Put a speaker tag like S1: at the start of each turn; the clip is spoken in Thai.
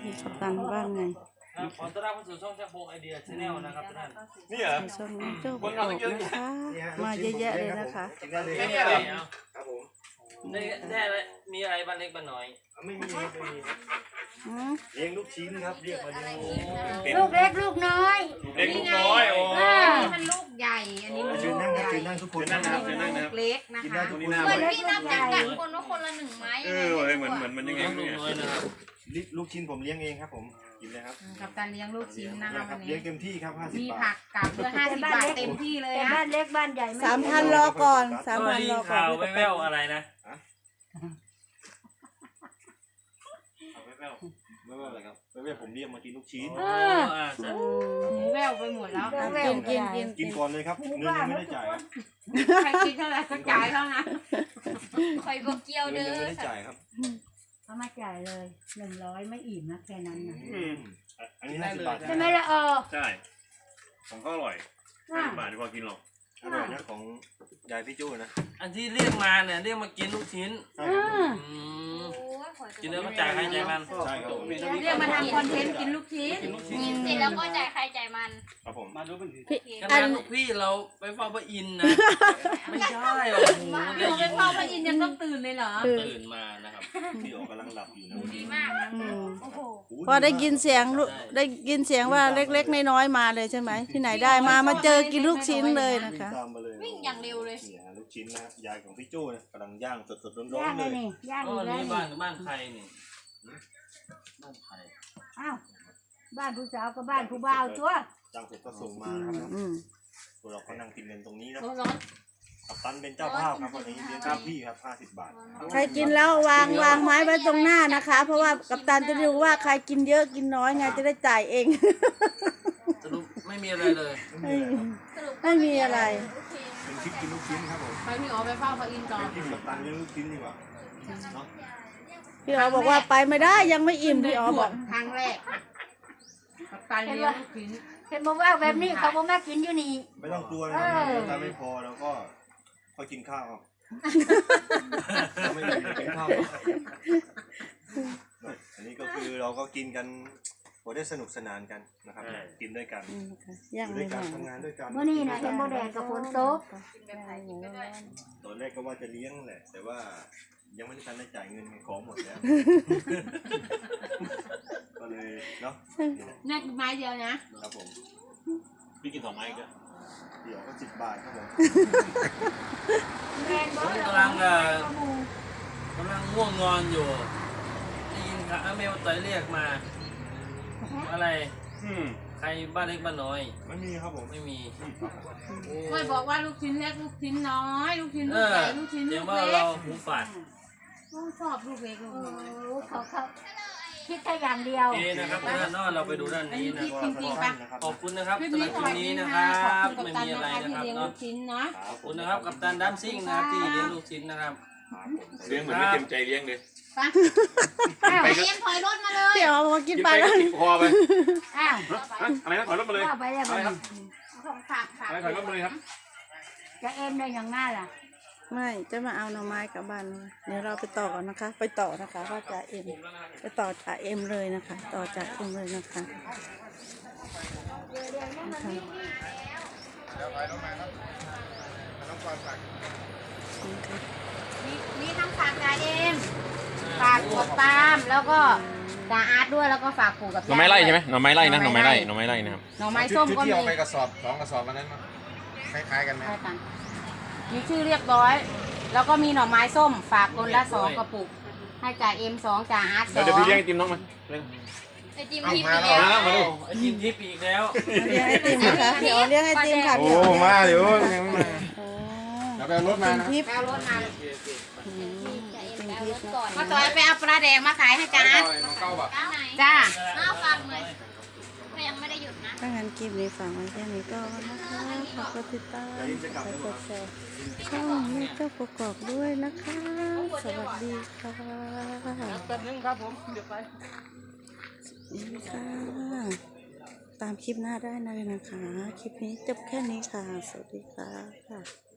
S1: มีกัปตันบ้างไง
S2: ขอต้อนรับเข้าสู่ช่องแจ็คโบไอเดียชาแนลนะครับทุกท่าน
S3: นี่เหรอ
S1: ช่องเจ้าบอกนะคะมาเยอะแยะเลยนะคะ
S2: นี่อะไร
S3: ครับผม
S2: ได้อะไรมีอะไรบ้านเล็กบ้านน้อย
S3: ไม่มีเลี้ยงลูกชิ้นครับเรียกมาเลี้ยง
S4: ลูกเล็กลูกน้อย
S3: เล็กลูกน้อยโอ้
S4: มันลูกใหญ่อันนี้มัน
S3: เชิญนั่งครับเชิญนั่งทุกคนนั่งนะครับเชิญนั่งนะครับ
S4: เล็กนะคะ
S3: เหมื
S4: อนพี่นับจำกัดคนว่าคนละ1 ไม้
S3: เหมือนยังไง
S2: นะครับ
S3: ลูกชิ้นผมเลี้ยงเองครับผมกินเลยครับ
S4: กับการเลี้ยงลูกชิ้นนะคะวันนี้
S3: เลี้ยงเต็มที่ครับ50 บาท
S4: มีผักกับเพื่อ50 บาทเต็มที่เลย
S1: บ้านเล็กบ้านใหญ่3,000รอก่อน3,000รอก่อน
S2: ข่าวแว่วๆอะไรนะ
S3: ไม่ว่าอะไรครับไม่ว่าผมเรียกมากินลูกชิ้น
S4: หูแววไปหมดแล้ว
S3: กินก่อนเลยครับเงินยังไม่ได้จ่าย
S4: ใครกินเท่าไหร่ก็จ่ายเท่านั้น
S5: คอยบอกเกี่ยวเด้อ
S3: ยังไม่ได้จ่ายครับ
S4: เขามาจ่ายเลย100ไม่อิ่มนะแค่นั้นนะ
S3: อันนี้50 บาท
S4: ใช่ไหมล่ะ
S3: ใช่ของก็อร่อย50 บาทดีกว่ากินหรอกอร่อยนะของยายพี่จู้นะ
S2: อันที่เรียกมาเนี่ยเรียกมากินลูกชิ้นกินแล้วก็จ่ายใครจ่ายมัน
S3: ใช่ครับ
S4: เรียกมาทำคอนเทนต์กินลูกชิ้น
S5: กินเสร็จแล้วก็จ่ายใครจ่ายมัน
S3: ครับผม
S2: มาดูเป็นขนาดลูกพี่เราไปเฝ้าพระอินทร์นะไม่ใช่หรอก
S4: เราไปเฝ้าพระอินทร์ยังต้องตื่นเลยเหรอ
S2: ตื่นมานะครับ
S3: พี่โอกำลังหลับอยู่นะ
S5: ดีมากโอ้โห
S1: พอได้ยินเสียงว่าเล็กๆน้อยๆมาเลยใช่ไหมที่ไหนได้มาเจอกินลูกชิ้นเลยนะคะ
S5: วิ่งอย่างเร็วเลย
S3: ลูกชิ้นนะยายของพี่จู้นะกำลังย่างสดๆร้อนๆเลย
S4: ย่าง
S2: เลยนี่บ้านใครนี่บ้านใคร
S4: อ้าวบ้านผู้สาวกับบ้านผู้บ่าวตัว
S3: ย่างเสร็จก็ส่งมาครับตัวเราก็นั่งกินกันตรงนี้นะกัปตันเป็นเจ้าภาพครับวันนี้เลี้ยงพี่ครับ50 บาท
S1: ใครกินแล้ววางไม้ไว้ตรงหน้านะคะเพราะว่ากัปตันจะดูว่าใครกินเยอะกินน้อยไงจะได้จ่ายเอง
S2: สรุปไม่มีอะไรเลย
S1: ไม่มีอะไร
S3: เป็นคลิปกินลูกชิ้นครับผม
S4: ไปพี่อ๋อไปเฝ้าพระอินทร์ก่อน
S3: กินกัปตันเลี้ยงลูกชิ้นดีกว่าเนาะ
S1: พี่อ๋อบอกว่าไปไม่ได้ยังไม่อิ่มพี่อ๋อบอก
S4: ครั้งแรกกัปตันเลี้ยงลูกชิ้น
S5: เห็นบอกว่าแบบนี้เขาบอกแม่กินอยู่นี่
S3: ไม่ต้องกลัวนะครับถ้าไม่พอแล้วก็ค่อยกินข้าวไม่ได้กินข้าวอันนี้ก็คือเราก็กินกันพอได้สนุกสนานกันนะครับกินด้วยกันอยู่ด้วยกันทำงานด้วยกัน
S4: เมื่อนี้นะเห็นโมแดงกับฝนตก
S3: ตอนแรกก็ว่าจะเลี้ยงแหละแต่ว่ายังไม่ได้ทันได้จ่ายเงินของหมดแล้วก็เลยเนาะ
S4: นี่ไม้เดียวนะครับ
S3: ผมพี่กิน2 ไม้ก็เดี๋ยวก็10 บาทครับผม
S2: กำลังง่วงนอนอยู่ได้ยินค่ะเมลต่อยเรียกมาอะไรใครบ้านเล็กบ้านน้อย
S3: ไม่มีครับผม
S2: ไม่มี
S4: ไม่บอกว่าลูกชิ้นเล็กลูกชิ้นน้อยลูกชิ้นลูกใหญ่ลูกชิ้นลูกเล็ก
S2: เราหูฝาด
S4: ชอบลูกเล็ก
S5: เขาคิดแค่อย่างเดียว
S2: นะครับด้านนอกเราไปดูด้านนี้นะขอบคุณนะครับสำหรับคลิปนี้นะครับไม่มีอะไรนะครับเนาะขอบคุณนะครับกัปตันดัมซิ่งนะครับที่เลี้ยงลูกชิ้นนะครับ
S3: เลี้ยงเหมือนไม่เต็มใจเลี้ยงเลย
S5: ไปเลี้ยงถอยรถมาเลย
S1: เดี๋ยวมากินไปแล้ว
S3: กินคอไปอะไรนะถอยรถมาเลย
S4: อะไรครับ
S3: ถอยรถมาเลยครับ
S4: จะเอ็มได้อย่างง่ายล่ะ
S1: ไม่จะมาเอาหน่อไม้กลับบ้านเดี๋ยวเราไปต่อกันนะคะไปต่อนะคะว่าจ่าเอ็มไปต่อจ่าเอ็มเลยนะคะต่อจากเอ็มเลยนะคะ
S4: มีทั้งฝากจ่าเอ็มฝากกดตามแล้วก็จ่าอาร์ตด้วยแล้วก็ฝากปู่กับ
S3: หน่อไม้ไร่ใช่ไหมหน่อไม้ไร่นะหน่อไม้ไร่นะครับ
S4: หน่อไม้ส้มก็มี
S3: ที่เอาไปกระสอบ2 กระสอบวันนั้นคล้ายๆกันไหม
S4: มีชื่อเรียบร้อยแล้วก็มีหน่อไม้ส้มฝากคนละ2 กระปุกให้จ่าเอ็ม2จ่าอาร์ต2
S3: เดี๋ยวพี่เลี้ยงไอติมน้องมา
S5: ไอติมทิพย์อีกแล้ว
S2: ไอติมทิพย์อีกแล้ว
S1: เลี้ยงไอติมค่ะเดี๋ยวเลี้ยงไอติมค่ะ
S3: โอ้มาเดี๋ยวเราไปรถมา
S4: ทิพย์เอารถมามาต่อยไปเอาปลาแดงมาขายให้จ่าอาร์ตจ้า
S5: เอาฟังเลยยังไม่ได้หยุดนะ
S1: ถ้างั้นคลิปนี้ฝากไว้แค่นี้ก็นะคะขอบคุณติดตามกดแชร์ช่องนี้เจ้าประกอบด้วยนะคะสวัสดีค่ะ
S2: แป๊บนึงครับผมเดี๋ยวไป
S1: นี่ค่ะตามคลิปหน้าได้เลยนะคะคลิปนี้จบแค่นี้ค่ะสวัสดีค่ะ